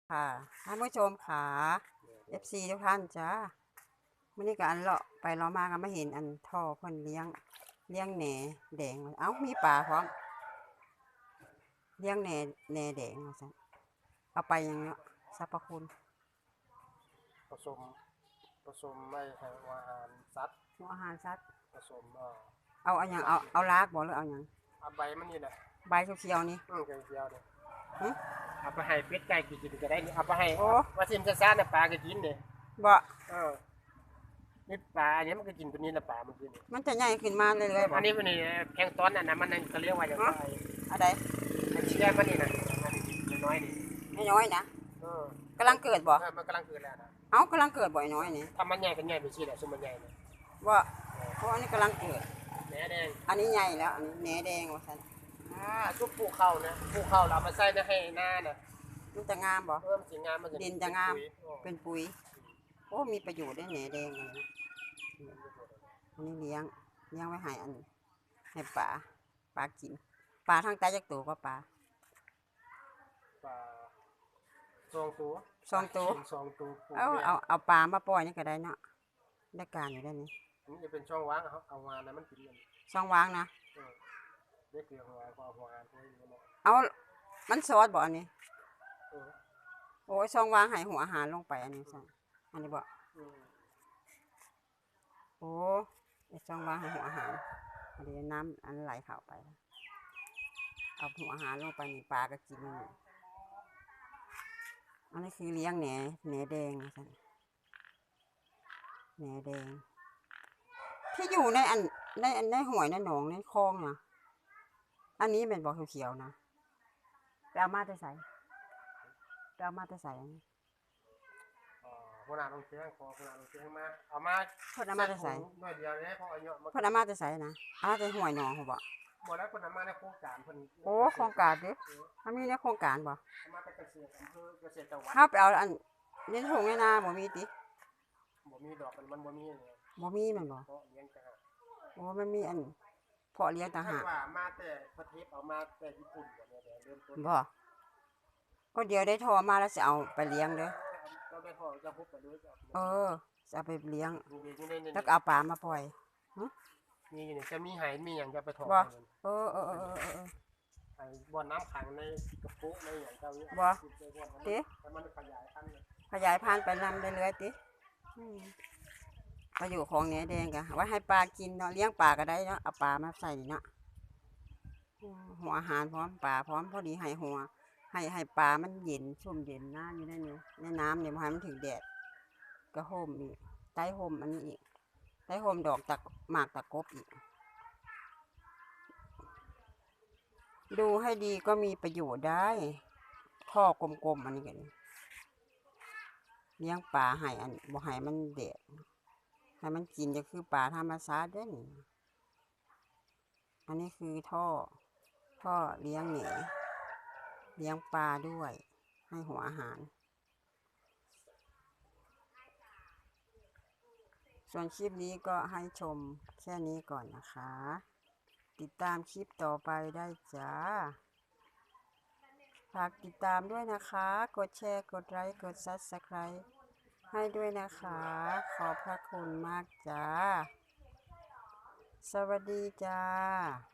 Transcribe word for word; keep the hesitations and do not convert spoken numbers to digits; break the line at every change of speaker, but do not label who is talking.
ค่ะท่านผู้ชมค่ะ เอฟ ซี ทุกท่านจ้ามื่อนี้ก็อันเลาะไปเลาะมาก็มาเห็นอันท่อเพิ่นเลี้ยงเลี้ยงแหน่แดงเอ้ามีปลาพร้อมเลี้ยงแหน่แหน่แดงว่าซั่นเอาไปยังเนาะสรรพคุณ
ผสมผสมไม่ให้อาหารสัตว์
หัวอาหารสัตว์
ผสมเอ่อ
เอาอันหยังเอาเอารากบ่หรือเอาหยัง
เอาใบมันนี่แหละ
ใบเขียวๆนี่
อืมไก่เจียวเนี่ย
หึ
เอาไปให้เป็ดไก่กินก็ได้นี่เอาไปให้
โอ้
ว่าซิมซ่าๆน่ะปลาก็กินเด้
บ่
เออนี่ปลาอันนี้มันก็กินตัวนี้ละปลามันกินนี่
มันจะใหญ่ขึ้นมาเรื่อยๆบ่
อันนี้มันนี่แพลงก์ตอนน่ะนะมันนั่นก็เรียกว่าอย่างไร
อันใด
ไอ้เชื้อมันนี่น่ะมันกินน้อยๆนี่
น้อยๆนะ
เออก
ำลังเกิดบ่
เออมันกำลังเกิดแล้วนะ
เอ้ากำลังเกิดบ่อยน้อยนี่
ถ้ามันใหญ่ก็ใหญ่ไปสิแหละซุมมันใหญ่น่ะ
บ่เพราะอันนี้กำลังเกิด
แหนแดง
อันนี้ใหญ่แล้วอันนี้แหน่แดงว่าซั่น
อ่าทุกปลูกข้าวนะปลูกข้าวเราเอามาใส่ในให้หน้าน่ะ
มันจะงามบ่
เพิ่มสิงามมันจะ
ดินจะงาม
เป็นปุ๋ย
เป็นปุ๋ยโอ้มีประโยชน์ได้แหน่แดงเลยนะอันนี้เลี้ยงเลี้ยงไว้ให้อันให้ปลาปลากินปลาทั้งใจจักตัวก็ปลา
ปลาสองตัว
สองตัว
สองตัวปลูก
เอา
เนี่ย
เอาเอาปลามาปล่อยนี่ก็ได้เนาะได้การอยู่ได้นี่
อันนี้จะเป็นช่องว่างครับเอางานนะมันกินกัน
ช่องวางนะ
เออเรียกเกลือหัวหัวหัวงานพวกนี้เนาะ
เอามันซอสบ่อันนี้
เออ
โอ้ยช่องวางให้หัวอาหารลงไปอันนี้ซะอันนี้บ่
อืม
โอ้ไอ้ช่องวางให้หัวอาหารอันนี้น้ำอันไหลเข้าไปเอาหัวอาหารลงไปนี่ปลาก็กินมันนี่อันนี้คือเลี้ยงแหน่แหน่แดงนะจ๊ะแหน่แดงที่อยู่ในอันในอันในห้วยในหนองในคลองนะอันนี้เป็นบ่อเขียวๆนะไปเอามาแต่ใส่ไปเอามาแต่ใส่อันนี้
อ๋อหัวหน้าลงเชียงขอหัวหน้าลงเชียงมาเอามา
เพิ่นเอามาแต่ใส่
หน่อยเดียวเนี่ยเพราะเอาเยอะมา
เพิ่นเอามาแต่ใส่นะเอามาแต่ห้วยหนองเขาบ่
บ่แล้วคนเอามาในโครงการเพิ่น
โอ้โครงการดิมันมีในโครงการบ่
เอามาแต่เกษตรอำเภอเกษตรจังหวัด
เฮาไปเอาอันในทุ่งในนาบ่มีติ
บ่มีดอกมันมันบ่มีเนี่ย
บ่มีแม่นบ่
เพราะเลี้ยงจังหวัด
โอ้มันมีอันเพาะเลี้ยงต่างหาก
ว่ามาแต่ประเทศเอามาแต่ญี่ปุ่นบ่เนี่ยเริ่มต้น
บ่ก็เดี๋ยวได้ทอมาแล้วสิเอาไปเลี้ยงเด้อ
เราได้พอจะพบไปด้วยจ้ะ
เออจะเอาไปเลี้ยง
มีเด็กอยู่ในนี่
แล้วก็เอาปลามาปล่อย
มีอยู่นี่จะมีไหมีหยังจะไปถอด
บ่
มัน
เออเออเออเออเออ
ไอ้บ่อน้ำขังในกระปุกในหยังเจ้าเนี่ย
บ่
ติ
ติ
แต่มันขยายพันธุ์เลย
ขยายพันธุ์ไปนำเรื่อยๆติอืมประโยชน์ของแหนแดงก็ไว้ให้ปลากินเนาะเลี้ยงปลาก็ได้เนาะเอาปลามาใส่นี่เนาะอืมหัวอาหารพร้อมปลาพร้อมพอดีให้หัวให้ให้ปลามันเย็นชุ่มเย็นน้ำอยู่ในนี้ในน้ำเนี่ยบ่ให้มันถึงแดดก็ห่มอีกใต้ห่มอันนี้อีกใต้ห่มดอกตะหมากตะกบอีกดูให้ดีก็มีประโยชน์ได้ท่อกลมๆอันนี้กันเลี้ยงปลาให้อันบ่ให้มันแดดให้มันกินจะคือปลาธรรมชาติเด้อนี่อันนี้คือท่อท่อเลี้ยงแหนเลี้ยงปลาด้วยให้หัวอาหารส่วนคลิปนี้ก็ให้ชมแค่นี้ก่อนนะคะ ติดตามคลิปต่อไปได้จ้าฝากติดตามด้วยนะคะ กดแชร์กดไลค์กด ซับสไครบ์ ให้ด้วยนะคะ ขอบพระคุณมากจ้า สวัสดีจ้า